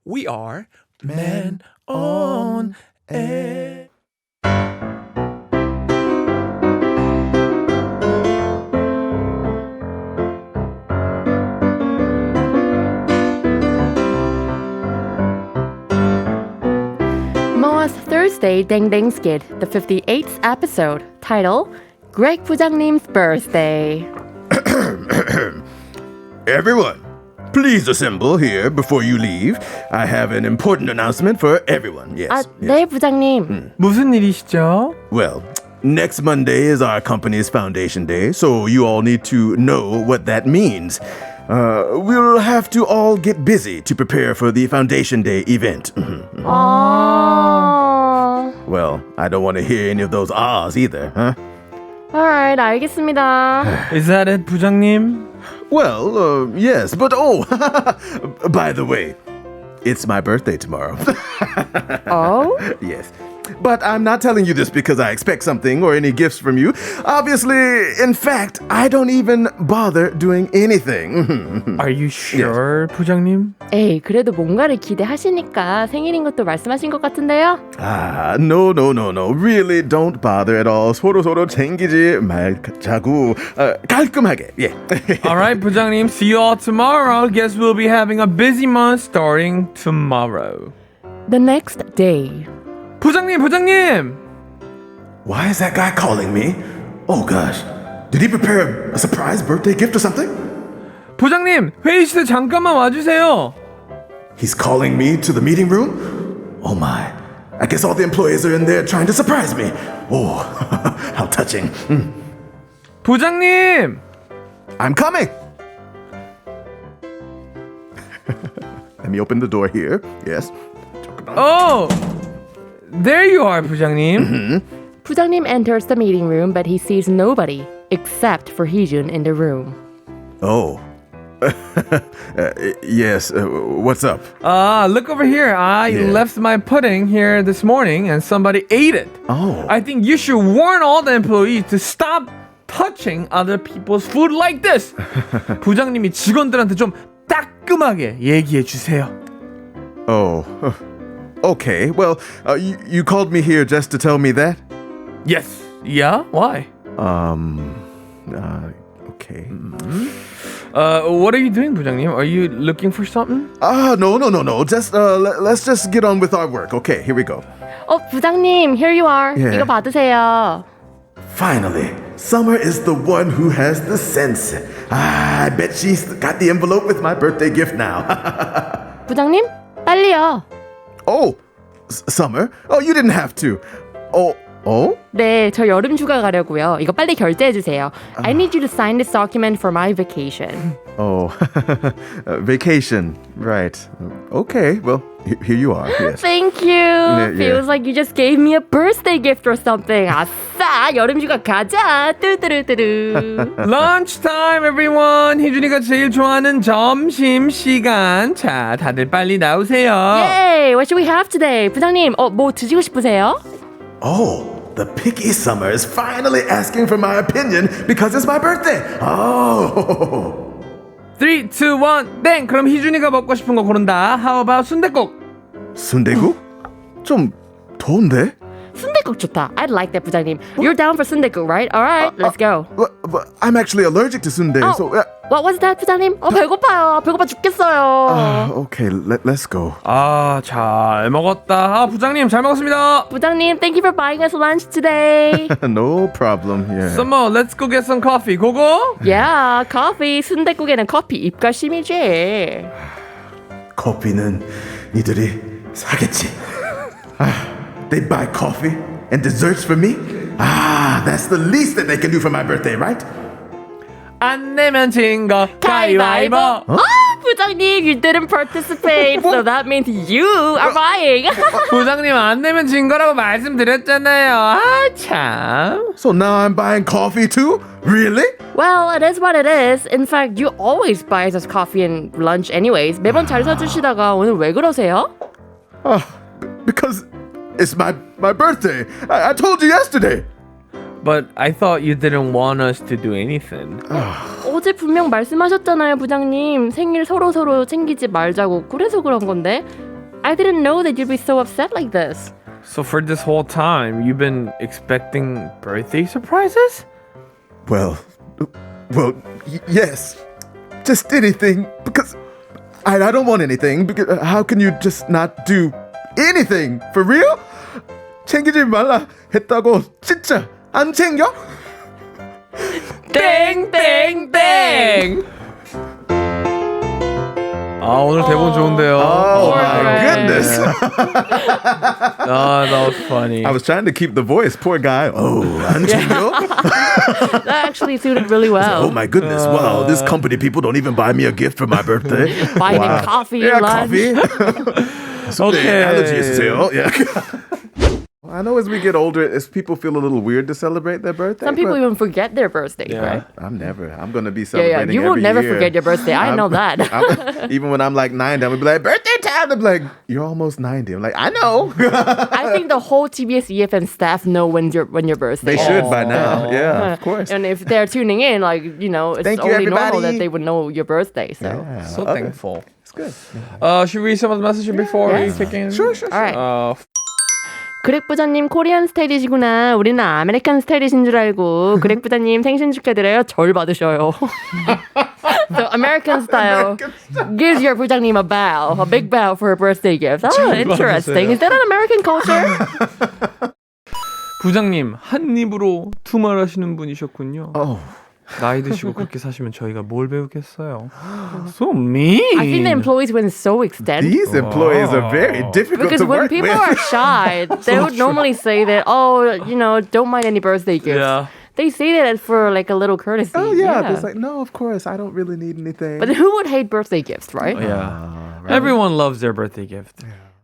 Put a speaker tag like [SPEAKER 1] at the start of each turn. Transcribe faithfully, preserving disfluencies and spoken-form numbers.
[SPEAKER 1] We are Men on Air.
[SPEAKER 2] Moa's Thursday Dang Dang Skit, the fifty-eighth episode, title, Greg 부장님's birthday.
[SPEAKER 3] Everyone, please assemble here before you leave. I have an important announcement for everyone. Yes.
[SPEAKER 2] 아,
[SPEAKER 3] yes.
[SPEAKER 2] 네, 부장님.
[SPEAKER 1] 무슨 일이시죠?
[SPEAKER 3] Well, next Monday is our company's foundation day, so you all need to know what that means. Uh, we'll have to all get busy to prepare for the foundation day event.
[SPEAKER 2] 아...
[SPEAKER 3] Well, I don't want to hear any of those ahs either, huh?
[SPEAKER 2] Alright, 알겠습니다.
[SPEAKER 1] Is that it, 부장님?
[SPEAKER 3] Well, uh, yes, but oh, by the way, it's my birthday tomorrow.
[SPEAKER 2] Oh?
[SPEAKER 3] Yes. But I'm not telling you this because I expect something or any gifts from you. Obviously, in fact, I don't even bother doing anything.
[SPEAKER 1] Are you sure, 부장님?
[SPEAKER 2] 에이, 그래도 뭔가를 기대하시니까 생일인 것도 말씀하신 것 같은데요?
[SPEAKER 3] Ah, no, no, no, no. Really don't bother at all. 서로 서로 챙기지 말자고. 어, 깔끔하게. 예.
[SPEAKER 1] Alright, 부장님. See you all tomorrow. Guess we'll be having a busy month starting tomorrow.
[SPEAKER 2] The next day.
[SPEAKER 1] 부장님, 부장님!
[SPEAKER 3] Why is that guy calling me? Oh gosh. Did he prepare a surprise birthday gift or something?
[SPEAKER 1] 부장님, 회의실에 잠깐만 와주세요.
[SPEAKER 3] He's calling me to the meeting room? Oh my. I guess all the employees are in there trying to surprise me. Oh, how touching. Mm.
[SPEAKER 1] 부장님!
[SPEAKER 3] I'm coming. Let me open the door here. Yes.
[SPEAKER 1] Oh! There you are, 부장님.
[SPEAKER 2] 부장님 enters the meeting room, but he sees nobody except for Heejun in the room.
[SPEAKER 3] Oh. uh, yes. Uh, what's up?
[SPEAKER 1] Ah, look over here. I
[SPEAKER 3] Yeah.
[SPEAKER 1] left my pudding here this morning and somebody ate it.
[SPEAKER 3] Oh.
[SPEAKER 1] I think you should warn all the employees to stop touching other people's food like this. 부장님이 직원들한테 좀 따끔하게 얘기해 주세요.
[SPEAKER 3] Oh. Okay. Well, uh, you, you called me here just to tell me that?
[SPEAKER 1] Yes. Yeah? Why?
[SPEAKER 3] Um. Uh, okay.
[SPEAKER 1] Uh, what are you doing, 부장님? Are you looking for something?
[SPEAKER 3] Ah, no, no, no, no. Just uh, let, let's just get on with our work. Okay, here we go.
[SPEAKER 2] 어, 부장님, here you are.
[SPEAKER 3] Yeah.
[SPEAKER 2] 이거 받으세요.
[SPEAKER 3] Finally, Summer is the one who has the sense. Ah, I bet she's got the envelope with my birthday gift now.
[SPEAKER 2] 부장님, 빨리요.
[SPEAKER 3] Oh, S- Summer. Oh, you didn't have to. Oh, oh.
[SPEAKER 2] 네, 저 여름 휴가 가려고요. 이거 빨리 결제해 주세요. I need you to sign this document for my vacation.
[SPEAKER 3] Oh, uh, vacation. Right. Okay. Well, he- here you are. Yes.
[SPEAKER 2] Thank you.
[SPEAKER 3] yeah.
[SPEAKER 2] Feels like you just gave me a birthday gift or something. 아싸, 여름 휴가 가자. 뚜뚜루뚜루.
[SPEAKER 1] Lunchtime, everyone. 희준이가 제일 좋아하는 점심 시간. 자, 다들 빨리 나오세요.
[SPEAKER 2] Yay! What should we have today? 부장님, 어, 뭐 드시고 싶으세요?
[SPEAKER 3] Oh, the picky Summer is finally asking for my opinion because it's my birthday. Oh.
[SPEAKER 1] three, two, one, 땡! 그럼 희준이가 먹고 싶은 거 고른다. How about 순댓국?
[SPEAKER 3] 순대국? 좀 더운데?
[SPEAKER 2] 순댓국 좋다. I'd like that, 부장님. You're down for 순댓국, right? All right, let's go.
[SPEAKER 3] But, but I'm actually allergic to sundae,
[SPEAKER 2] Oh,
[SPEAKER 3] so. Uh,
[SPEAKER 2] what was that, 부장님? 어, 배고파요. 배고파 죽겠어요.
[SPEAKER 3] uh, okay, let, let's go.
[SPEAKER 1] 아, 잘 먹었다. 아, 부장님 잘 먹었습니다.
[SPEAKER 2] 부장님, thank you for buying us lunch today.
[SPEAKER 3] No problem. Yeah.
[SPEAKER 1] Summer, let's go get some coffee. 고고?
[SPEAKER 2] yeah, coffee. 순댓국에는 커피 입가심이지.
[SPEAKER 3] 커피는 니들이 사겠지. Ah, they buy coffee and desserts for me? Ah, that's the least that they can do for my birthday, right?
[SPEAKER 1] 안 내면 진 거 가위바위보.
[SPEAKER 2] 아, 부장님, you didn't participate, so that means you are buying.
[SPEAKER 1] 부장님 안 내면 진 거라고 말씀드렸잖아요. 아, 참.
[SPEAKER 3] So now I'm buying coffee too? Really?
[SPEAKER 2] well, it is what it is. In fact, you always buy us coffee and lunch anyways. 매번 잘 사주시다가 오늘 왜 그러세요?
[SPEAKER 3] Oh, because it's my, my birthday. I, I told you yesterday.
[SPEAKER 1] But I thought you didn't want us to do anything.
[SPEAKER 2] 어제 분명 말씀하셨잖아요, 부장님. 생일 서로 서로 챙기지 말자고. 그래서 그런 건데. I didn't know that you'd be so upset like this.
[SPEAKER 1] So for this whole time, you've been expecting birthday surprises?
[SPEAKER 3] Well, well, y- yes. Just anything, because I, I don't want anything. Because uh, how can you just not do anything? For real? 챙기지 말라 했다고 진짜 안 챙겨?
[SPEAKER 1] 땡, 땡, 땡! 아, 오늘 대본 좋은데요.
[SPEAKER 3] Oh
[SPEAKER 2] Poor
[SPEAKER 3] my
[SPEAKER 2] guy.
[SPEAKER 3] goodness.
[SPEAKER 1] 아, that was funny.
[SPEAKER 3] I was trying to keep the voice. Poor guy. Oh, 안 챙겨?
[SPEAKER 2] That actually suited really well.
[SPEAKER 3] Oh my goodness. Wow, this company people don't even buy me a gift for my birthday.
[SPEAKER 2] Buying
[SPEAKER 3] Wow.
[SPEAKER 2] him coffee,
[SPEAKER 3] Yeah,
[SPEAKER 2] lunch.
[SPEAKER 3] coffee.
[SPEAKER 1] Okay.
[SPEAKER 3] Allergy 있으세요? Yeah. I know as we get older, as people feel a little weird to celebrate their birthday.
[SPEAKER 2] Some people
[SPEAKER 3] but
[SPEAKER 2] even forget their birthdays,
[SPEAKER 1] Yeah.
[SPEAKER 2] right?
[SPEAKER 3] I'm never. I'm gonna be
[SPEAKER 2] Yeah,
[SPEAKER 3] celebrating
[SPEAKER 2] yeah. You will
[SPEAKER 3] every
[SPEAKER 2] never
[SPEAKER 3] year.
[SPEAKER 2] forget your birthday. I
[SPEAKER 3] I'm-
[SPEAKER 2] know that.
[SPEAKER 3] I'm- even when I'm like ninety, I'm gonna be like, birthday time. I'm like, you're almost ninety. I'm like, I know.
[SPEAKER 2] I think the whole T B S E F M staff know when your when your birthday.
[SPEAKER 3] They
[SPEAKER 2] is.
[SPEAKER 3] should by now. Yeah, of course.
[SPEAKER 2] And if they're tuning in, like you know, it's
[SPEAKER 3] Thank you,
[SPEAKER 2] only normal
[SPEAKER 3] everybody.
[SPEAKER 2] that they would know your birthday. So.
[SPEAKER 3] Yeah,
[SPEAKER 1] So
[SPEAKER 3] okay.
[SPEAKER 1] thankful.
[SPEAKER 3] It's good.
[SPEAKER 1] Uh, should we read some of the messages before
[SPEAKER 2] Yes.
[SPEAKER 1] we kick in?
[SPEAKER 3] Sure, sure,
[SPEAKER 2] All right.
[SPEAKER 1] Uh,
[SPEAKER 2] 그렉 부자님 코리안 스타일이시구나. 우리는 아메리칸 스타일이신 줄 알고. 그렉 부자님 생신 축하드려요. 절 받으셔요. So American style gives your 부장님 a bow, a big bow for a birthday gift. Oh, interesting. Is that an American culture?
[SPEAKER 1] 부장님 한 입으로 투말하시는 분이셨군요.
[SPEAKER 3] Oh,
[SPEAKER 1] 나이 드시고 그렇게 사시면 저희가 뭘 배우겠어요? So mean.
[SPEAKER 2] I think the employees went so extent.
[SPEAKER 3] these employees are very difficult
[SPEAKER 2] Because
[SPEAKER 3] to
[SPEAKER 2] when
[SPEAKER 3] work
[SPEAKER 2] people
[SPEAKER 3] with.
[SPEAKER 2] are shy, they would normally say that, oh, you know, don't mind any birthday gifts.
[SPEAKER 1] Yeah.
[SPEAKER 2] They say that for like a little courtesy.
[SPEAKER 3] Oh yeah, it's like no, of course I don't really need anything.
[SPEAKER 2] But who would hate birthday gifts, right?
[SPEAKER 1] Yeah. Everyone loves their birthday gift.